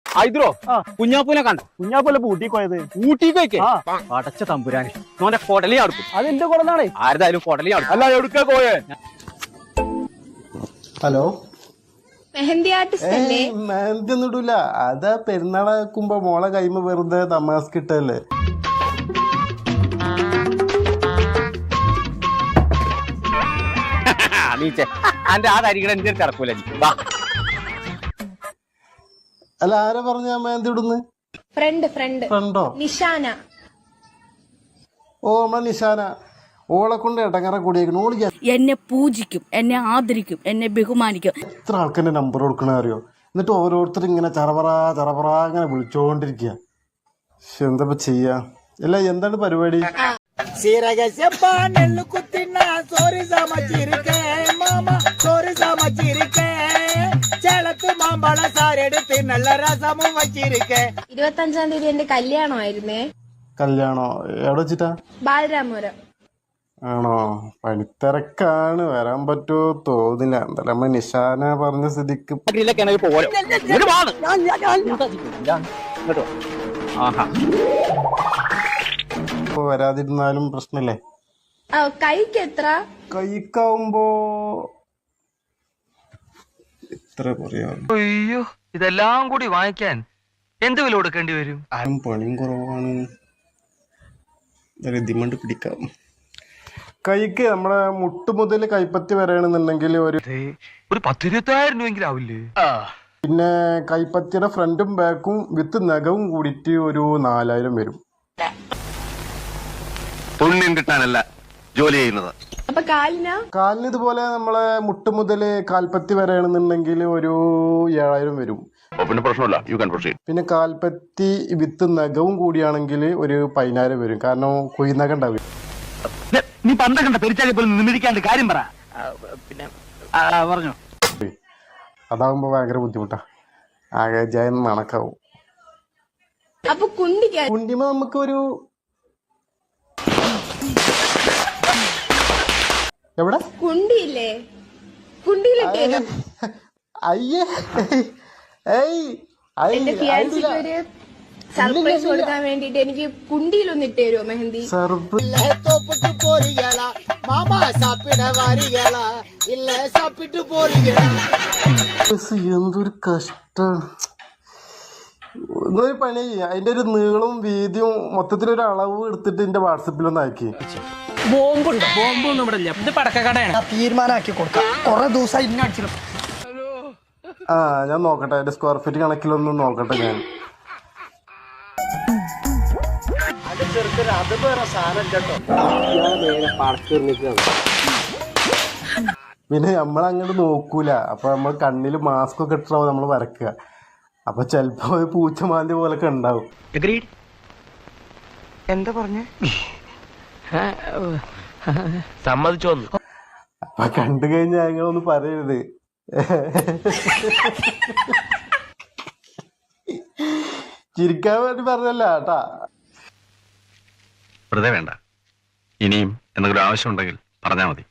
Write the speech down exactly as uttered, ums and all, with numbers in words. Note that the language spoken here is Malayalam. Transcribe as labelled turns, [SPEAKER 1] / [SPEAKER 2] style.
[SPEAKER 1] ഹൈദ്രോ കുഞ്ഞാപ്പൂനെ കണ്ട
[SPEAKER 2] കുഞ്ഞാപ്പൂലെ ഊട്ടിക്ക് പോയത്
[SPEAKER 1] ഊട്ടിക്ക് അടച്ച തമ്പുരാന് നോന്റെ കൊടലി അടുക്കും
[SPEAKER 2] അത് എന്റെ കൊടനാണേ
[SPEAKER 1] ആരതായാലും കൊടലി അടുക്കും അല്ല എവിടുക്ക പോയേ
[SPEAKER 3] ഹലോ
[SPEAKER 4] മെഹന്തി ആർട്ടിസ്റ്റ് അല്ലേ?
[SPEAKER 3] മെഹന്തി ഒന്നും ഇടൂല. അതാ പെരുന്നാളാക്കുമ്പോ മോളെ കൈമ വെറുതെ തമാസ്ക് ഇട്ടല്ലേ.
[SPEAKER 1] അന്റെ ആ തരികട എന്റെ കിടക്കൂല.
[SPEAKER 3] അല്ല ആരാ പറഞ്ഞ മെഹന്തി ഇടുന്ന്?
[SPEAKER 4] ഫ്രണ്ട് ഫ്രണ്ട്
[SPEAKER 3] ഫ്രണ്ടോ?
[SPEAKER 4] നിഷാന.
[SPEAKER 3] ഓ നമ്മളെ നിഷാന. ഓളെ കൊണ്ട് ഇടങ്ങറ കൂടിയേക്കണു. ഓള്
[SPEAKER 5] എന്നെ പൂജിക്കും, എന്നെ ആദരിക്കും, എന്നെ ബഹുമാനിക്കും.
[SPEAKER 3] എത്ര ആൾക്കെന്നെ നമ്പർ കൊടുക്കണ അറിയോ? എന്നിട്ട് ഓരോരുത്തർ ഇങ്ങനെ ചറപറ ചറപറ ഇങ്ങനെ വിളിച്ചോണ്ടിരിക്കുക. പക്ഷെ എന്താ ചെയ്യാ? അല്ല എന്താണ് പരിപാടി?
[SPEAKER 4] ഇരുപത്തി അഞ്ചാം തീയതി എന്റെ കല്യാണമായിരുന്നേ.
[SPEAKER 3] കല്യാണോ? എവിടെ വെച്ചിട്ടാ?
[SPEAKER 4] ബാലരാമപുരം.
[SPEAKER 3] ആണോ? പണിത്തിരക്കാണ്, വരാൻ പറ്റുമോ തോന്നില്ല. എന്തായാലും നമ്മ നിഷാന പറഞ്ഞ സ്ഥിതിക്ക് ഇപ്പൊ വരാതിരുന്നാലും പ്രശ്നല്ലേ?
[SPEAKER 4] കൈക്ക് എത്ര?
[SPEAKER 3] കൈക്കാവുമ്പോ എത്ര പറയാ?
[SPEAKER 6] അയ്യോ, ഇതെല്ലാം കൂടി വാങ്ങിക്കാൻ എന്ത് വില കൊടുക്കേണ്ടി വരും?
[SPEAKER 3] പണിയും കുറവാണ്. ദിമണ്ട് പിടിക്കാം. കൈക്ക് നമ്മുടെ മുട്ട് മുതൽ കൈപ്പത്തി വരെയാണെന്നുണ്ടെങ്കിൽ ഒരു
[SPEAKER 6] ഒരു പത്തിരുപത്തായിരം രൂപയെങ്കിലും ആവില്ലേ?
[SPEAKER 3] പിന്നെ കൈപ്പത്തിയുടെ ഫ്രണ്ടും ബാക്കും വിത്ത് നഖവും കൂടിയിട്ട് ഒരു നാലായിരം വരും.
[SPEAKER 7] പുണ്യം കിട്ടാനല്ല ജോലി ചെയ്യുന്നത്.
[SPEAKER 4] അപ്പൊ കാലിനാ?
[SPEAKER 3] കാലിന് ഇതുപോലെ നമ്മളെ മുട്ട് മുതൽ കാൽപ്പത്തി വരെയാണെന്നുണ്ടെങ്കിൽ ഒരു ഏഴായിരം വരും.
[SPEAKER 7] പിന്നെ പ്രശ്നമില്ല, യു ക്യാൻ പ്രൊസീഡ്.
[SPEAKER 3] പിന്നെ കാൽപ്പത്തി വിത്ത് നഖവും കൂടിയാണെങ്കിൽ ഒരു പതിനായിരം വരും. കാരണം കുയിനഖം ഉണ്ടാവും.
[SPEAKER 6] നീ പണ്ട കണ്ട പെരിച്ചാലി പോലും നിന്നിരിക്കാണ്ട് കാര്യം പറ. പിന്നെ പറഞ്ഞു
[SPEAKER 3] അതാവുമ്പോ ഭയങ്കര ബുദ്ധിമുട്ടാ. ആകെ ജയം മണക്കാവും.
[SPEAKER 4] അപ്പൊ കുണ്ടിക്ക്
[SPEAKER 3] കുണ്ടിമ നമുക്ക് ഒരു എവിടെ
[SPEAKER 4] കുണ്ടിയില്ലേ? കുണ്ടിയിലിട്ടേ
[SPEAKER 3] അയ്യേ
[SPEAKER 4] എന്റെ ഫിയാൻസിക്ക് ഒരു സർപ്രൈസ് കൊടുക്കാൻ വേണ്ടിട്ട് എനിക്ക് കുണ്ടിയിലൊന്ന് ഇട്ട് തരുമോ മെഹന്തി?
[SPEAKER 3] എന്തൊരു കഷ്ടം. എന്നൊരു പണി ചെയ്യാം, അതിന്റെ ഒരു നീളവും വീതിയും മൊത്തത്തിലൊരു അളവ് എടുത്തിട്ട് എന്റെ വാട്സപ്പിലൊന്ന് അയക്കി.
[SPEAKER 2] ബോംബുണ്ടോ? ബോംബൊന്നും ഇവിടെ ഇല്ല. ഇത് പടക്കക്കടയാണ്. തീരുമാനമാക്കി കൊടുക്കാം. കുറെ ദിവസം ഇന്ന അടിച്ചിടും.
[SPEAKER 3] ആ ഞാൻ നോക്കട്ടെ, അതിന്റെ സ്ക്വയർ ഫീറ്റ് കണക്കിലൊന്നും നോക്കട്ടെ ഞാൻ. പിന്നെ നമ്മളങ്ങോട്ട് നോക്കൂല. അപ്പൊ നമ്മൾ കണ്ണില് മാസ്ക് ഒക്കെ ഇട്ടാവും നമ്മൾ വരക്കുക. അപ്പൊ ചെലപ്പോ പൂച്ചമാന്തി പോലൊക്കെ ഉണ്ടാവും.
[SPEAKER 6] എന്താ പറഞ്ഞ? സമ്മതിച്ചോ?
[SPEAKER 3] അപ്പൊ കണ്ടു കഴിഞ്ഞാൽ ഞങ്ങളൊന്നും പറയരുത്. ചിരിക്കാൻ വേണ്ടി പറഞ്ഞല്ല കേട്ടാ.
[SPEAKER 7] വെറുതെ വേണ്ട. ഇനിയും എന്തെങ്കിലും ആവശ്യമുണ്ടെങ്കിൽ പറഞ്ഞാൽ മതി.